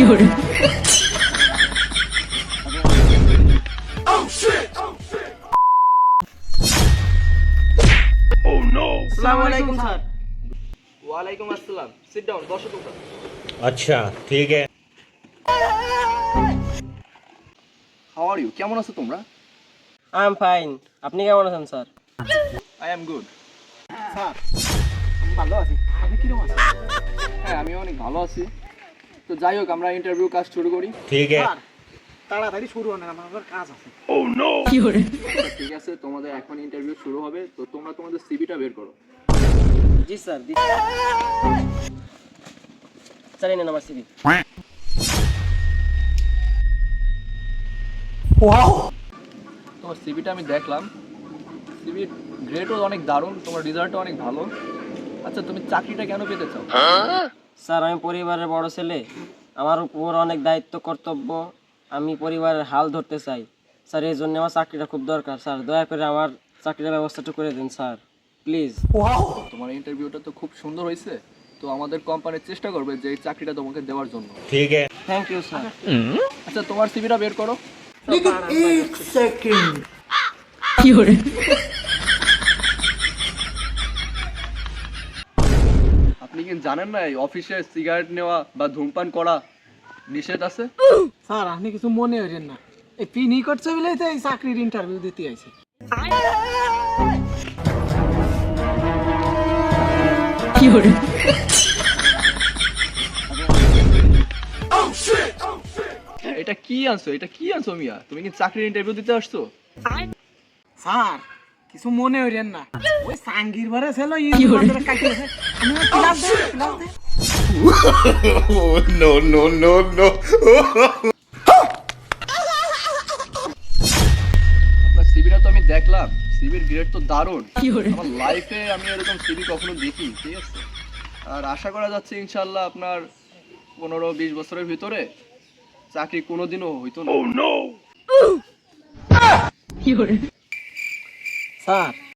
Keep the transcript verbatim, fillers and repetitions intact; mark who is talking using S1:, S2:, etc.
S1: আসসালামু আলাইকুম স্যার।
S2: ওয়ালাইকুম আসসালাম। সিট ডাউন, বসো তোমরা।
S3: अच्छा ठीक है।
S2: How are you? কেমন আছো তোমরা?
S1: I am fine. আপনি কেমন আছেন sir?
S2: I am good.
S4: Sir আমি ভালো আছি, আপনি কিরকম আছেন?
S2: হ্যাঁ, আমি অনেক ভালো আছি। তো যাই হোক, আমরা ইন্টারভিউ কাজ শুরু করি।
S3: ठीक है।
S4: স্যার তাড়াতাড়ি শুরু হন, আমার আবার কাজ আছে।
S2: আচ্ছা, ঠিক আছে, তোমাদের এখন ইন্টারভিউ শুরু হবে। তো তোমরা তোমাদের সিভিটা বের করো।
S1: জি স্যার। স্যার এই নেন আমার সিভি।
S4: ওয়াও,
S2: তোমার সিভিটা আমি দেখলাম। সিভির গ্রেডও অনেক দারুণ, তোমার রেজাল্টও অনেক ভালো। আচ্ছা, তুমি চাকরিটা কেন পেতে চাও?
S1: স্যার আমি পরিবারের বড় ছেলে, আমার উপর অনেক দায়িত্ব কর্তব্য, আমি পরিবারের হাল ধরতে চাই স্যার, এই জন্য আমার চাকরিটা খুব দরকার স্যার, দয়া করে আমার চাকরির ব্যবস্থাটা করে দিন স্যার প্লিজ।
S4: ওয়াও,
S2: তোমার ইন্টারভিউটা তো খুব সুন্দর হয়েছে। তো আমাদের কোম্পানি চেষ্টা করবে যে এই চাকরিটা তোমাকে দেওয়ার জন্য।
S3: ठीक है।
S1: Thank you sir.
S2: আচ্ছা, তোমার সিভিটা বের করো।
S4: এক সেকেন্ড।
S2: আপনি কি জানেন না এই অফিসে সিগারেট নেওয়া বা ধূমপান করা নিষেধ আছে?
S4: স্যার আপনি কিছু মনে করেন না, এই পিনি করছে বলেই তো এই চাকরির ইন্টারভিউ দিতে আইছি।
S2: এটা কি আনছো? এটা কি আনছো মিয়া? তুমি কি চাকরির ইন্টারভিউ দিতে আসছো?
S4: স্যার কিছু মনে করেন না, ওই সাঙ্গির বারে ছিল ইউনিভার্সিটি কাটিয়েছে, আমি ক্লাস দেই ক্লাস দেই।
S3: Oh no no no no.
S2: আপনার সিভিটা তো আমি দেখলাম, সিভির গ্রেড তো দারুণ। আমার লাইফে আমি এরকম সিভি কখনো দেখি, ঠিক আছে? আর আশা করা যাচ্ছে ইনশাআল্লাহ আপনার পনেরো বিশ বছরের ভিতরে চাকরি কোনোদিনও হইতো না।
S4: স্যার